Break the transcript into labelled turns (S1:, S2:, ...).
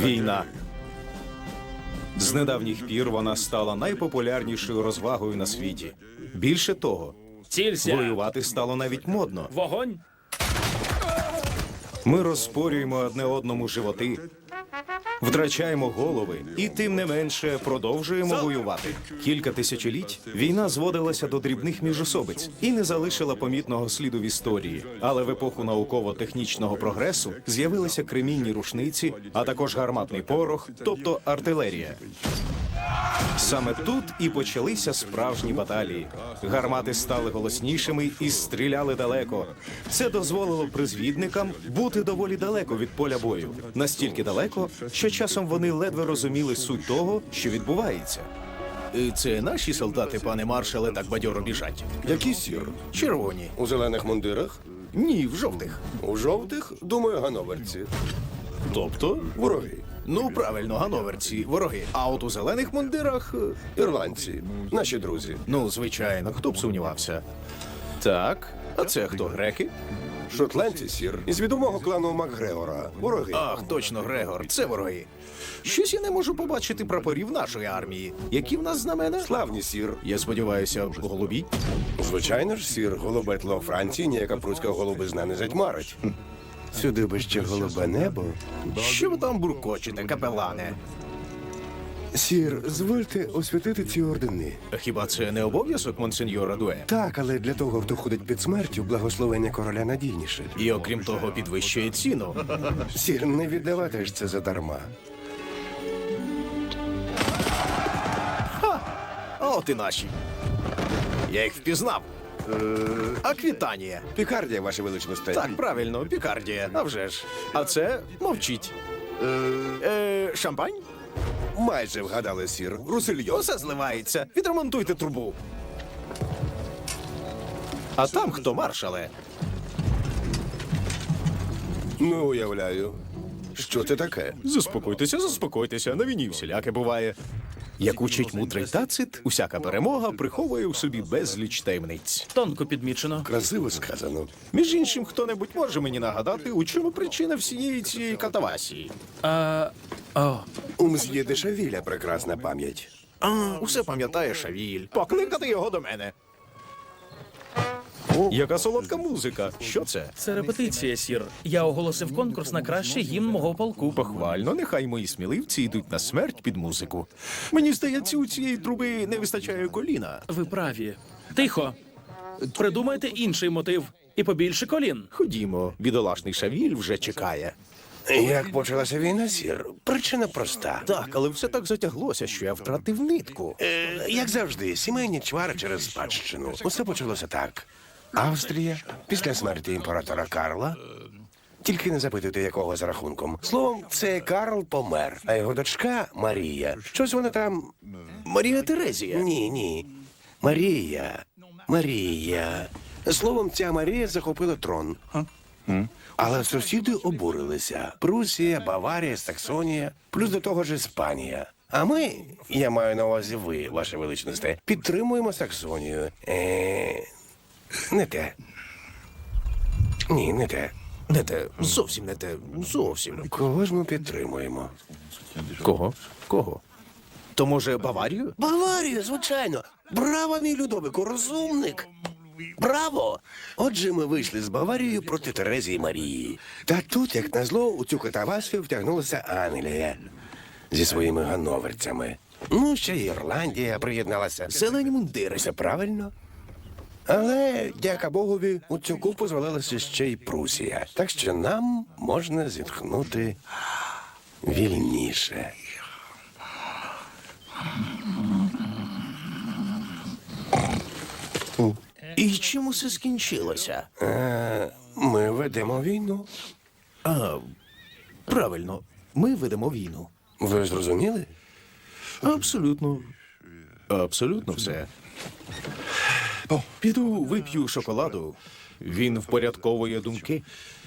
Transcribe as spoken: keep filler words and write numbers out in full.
S1: Війна. З недавніх пір вона стала найпопулярнішою розвагою на світі. Більше того,
S2: Цілься!
S1: воювати стало навіть модно.
S2: Вогонь!
S1: Ми розпорюємо одне одному животи, втрачаємо голови і тим не менше продовжуємо воювати. Кілька тисячоліть війна зводилася до дрібних міжособиць і не залишила помітного сліду в історії. Але в епоху науково-технічного прогресу з'явилися кремінні рушниці, а також гарматний порох, тобто артилерія. Саме тут і почалися справжні баталії. Гармати стали голоснішими і стріляли далеко. Це дозволило призвідникам бути доволі далеко від поля бою. Настільки далеко, що часом вони ледве розуміли суть того, що відбувається. Це наші солдати, пане маршале, так бадьоро біжать.
S3: Які сір?
S1: Червоні.
S3: У зелених мундирах?
S1: Ні, в жовтих.
S3: У жовтих, думаю, гановерці.
S1: Тобто?
S3: Вороги.
S1: Ну, правильно, гановерці, вороги. А от у зелених мундирах... е,
S3: Ірландці. Наші друзі.
S1: Ну, звичайно, хто б сумнівався. Так, а це хто, греки?
S3: Шотландці, сір. Із відомого клану Макгрегора. Вороги.
S1: Ах, точно, Грегор, це вороги. Щось я не можу побачити прапорів нашої армії. Які в нас знамена?
S3: Славні, сір.
S1: Я сподіваюся, голубі.
S3: Звичайно ж, сір. Голубе тло Франції ніяка прудська голубизна не затьмарить. Сюди би ще голубе небо.
S1: Що ви там буркочете, капелане?
S3: Сір, звольте освятити ці ордени.
S1: Хіба це не обов'язок монсеньора Дуе?
S3: Так, але для того, хто ходить під смертю, благословення короля надійніше.
S1: І окрім того, підвищує ціну.
S3: Сір, не віддавати ж це задарма.
S1: А от і наші. Я їх впізнав. Аквітанія.
S3: Пікардія, ваше величносте.
S1: Так, правильно, Пікардія. А вже ж. А це мовчіть. Е, шампань?
S3: Майже вгадали, сір. Русильйон.
S1: Усе зливається. Відремонтуйте трубу. А там хто, маршале?
S3: Ну, уявляю. Що це таке?
S1: Заспокойтеся, заспокойтеся. На війні всіляке буває. Як учить мудрий Тацит, усяка перемога приховує у собі безліч таємниць.
S2: Тонко підмічено.
S3: Красиво сказано.
S1: Між іншим, хто-небудь може мені нагадати, у чому причина всієї цієї катавасії?
S2: А... О,
S3: У мсьє де Шавіля прекрасна пам'ять.
S1: А, усе пам'ятає Шавіль. Покликати його до мене. Яка солодка музика. Що це?
S2: це репетиція, сір. Я оголосив конкурс на кращий гімн мого полку.
S1: Похвально, нехай мої сміливці йдуть на смерть під музику. Мені здається, у цієї труби не вистачає коліна.
S2: Ви праві. Тихо. Придумайте інший мотив. І побільше колін.
S1: Ходімо, бідолашний Шавіль вже чекає.
S3: Як почалася війна, сір? Причина проста.
S1: Так, але все так затяглося, що я втратив нитку.
S3: Е, як завжди, сімейні чвари через спадщину. Усе почалося так. Австрія, після смерті імператора Карла. Тільки не запитуйте, якого за рахунком. Словом, це Карл помер, а його дочка Марія. Щось вона там.
S1: Марія Терезія.
S3: Ні, ні. Марія. Марія. Словом, ця Марія захопила трон. Але сусіди обурилися. Прусія, Баварія, Саксонія, плюс до того ж Іспанія. А ми, я маю на увазі ви, ваше величносте, підтримуємо Саксонію. Е, не те. Ні, не те.
S1: Не те, зовсім не те, зовсім.
S3: Кого ж ми підтримуємо?
S1: Кого? Кого? То, може, Баварію?
S3: Баварію, звичайно. Браво, мій Людовику, розумник. Браво! Отже, ми вийшли з Баварією проти Терезії Марії. Та тут, як назло, у цю катавасію втягнулася Англія зі своїми гановерцями. Ну, ще й Ірландія приєдналася.
S1: Зелені мундири.
S3: Все правильно. Але, дяка Богові, у цю купу звалилася ще й Прусія. Так що нам можна зітхнути вільніше.
S1: І чим усе скінчилося?
S3: Е, ми ведемо війну.
S1: А, правильно, ми ведемо війну.
S3: Ви зрозуміли?
S1: Абсолютно. Абсолютно все. Піду вип'ю шоколаду. Він впорядковує думки.